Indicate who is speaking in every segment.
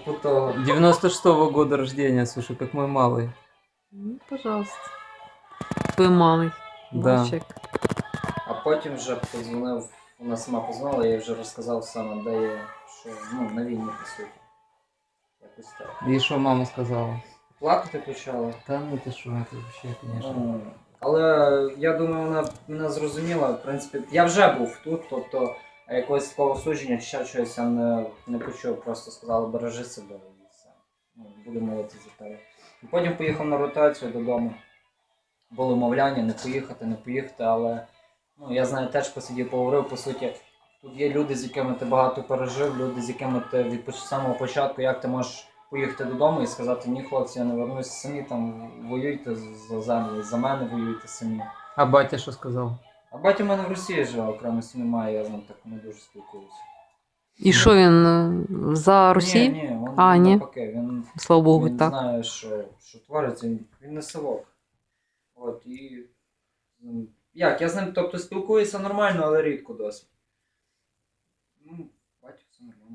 Speaker 1: типу того.
Speaker 2: 96-го года рождения, слушай, как мой малый.
Speaker 3: Ну, пожалуйста. Твой малий.
Speaker 2: Да.
Speaker 3: Мальчик.
Speaker 1: А потім вже подзвонив, вона сама позвонила, я їй вже розказав саме, де я, що, ну, на війні, по суті. Якось так.
Speaker 2: И что мама сказала?
Speaker 1: Плакати почала.
Speaker 2: Да ну ты что, это вообще, конечно.
Speaker 1: Ну, але я думаю, вона мене зрозуміла. В принципі, я вже був тут, тобто якогось такого судження чи ще чогось я не почув, просто сказали, бережи себе і все. Ну, буду молитися за тебе. І потім поїхав на ротацію додому. Було мовляння, не поїхати, але ну, я знаю, теж посидів, поговорив, по суті. Тут є люди, з якими ти багато пережив, люди, з якими ти від самого початку, як ти можеш поїхати додому і сказати, ні, хлопці, я не вернусь, самі там воюйте за землю, за мене воюйте самі.
Speaker 2: А батя что сказал?
Speaker 1: А батя в мене в Росії живе, окремо сім'ї має, я з ним так не дуже спілкуюся.
Speaker 3: І що він за Росію?
Speaker 1: Ні, він
Speaker 3: А, ні.
Speaker 1: навпаки, він
Speaker 3: Слава Богу,
Speaker 1: він
Speaker 3: так.
Speaker 1: знає, що твориться, він не совок. От, і... Як, я з ним, тобто, спілкуюся нормально, але рідко досить. Ну, батя все нормально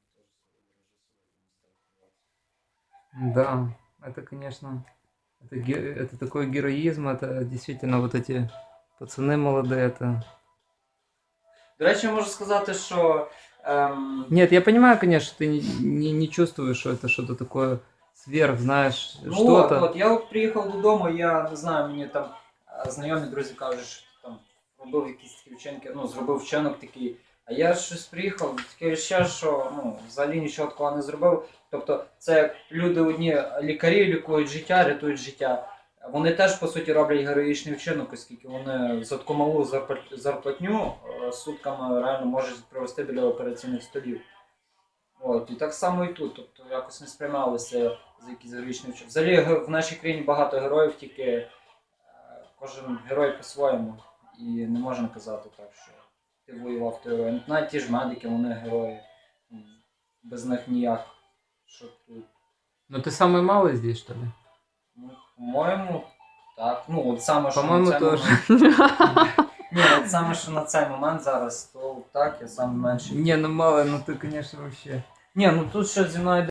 Speaker 1: зрозумів.
Speaker 2: Да, это, конечно, это такой героизм, это действительно вот эти пацаны молодые, это...
Speaker 1: До речі, я можу сказати, що...
Speaker 2: Нет, я понимаю, конечно, ты не чувствуешь, что это что-то такое сверх, знаешь,
Speaker 1: Ну
Speaker 2: что-то.
Speaker 1: от, я от приїхав додому, я не знаю, мені там знайомі друзі кажуть, що там робив якісь такі вчинки, ну, зробив вчинок такий. А я щось приїхав, таке ще, що ну, взагалі нічого такого не зробив. Тобто це як люди одні лікарі лікують життя, рятують життя. Вони теж, по суті, роблять героїчний вчинок, оскільки вони за таку малу зарплатню сутками реально можуть провести біля операційних столів. От, і так само і тут. Тобто якось не сприймалися за якісь героїчні вчинки. Взагалі в нашій країні багато героїв, тільки кожен герой по-своєму. І не можна казати так, що ти воював, ти герой. Навіть ті ж медики, вони герої. Без них ніяк. Що тут.
Speaker 2: Но ты самый малый здесь, что ли?
Speaker 1: Ну, по-моєму, так. Ну, от саме, що
Speaker 2: По-моєму,
Speaker 1: на цей
Speaker 2: теж.
Speaker 1: момент. Ні, от саме, що на цей момент зараз, то так, я саме менший.
Speaker 2: Не, ну малый, ну ты, конечно, вообще...
Speaker 1: Ні, ну тут ще зі мною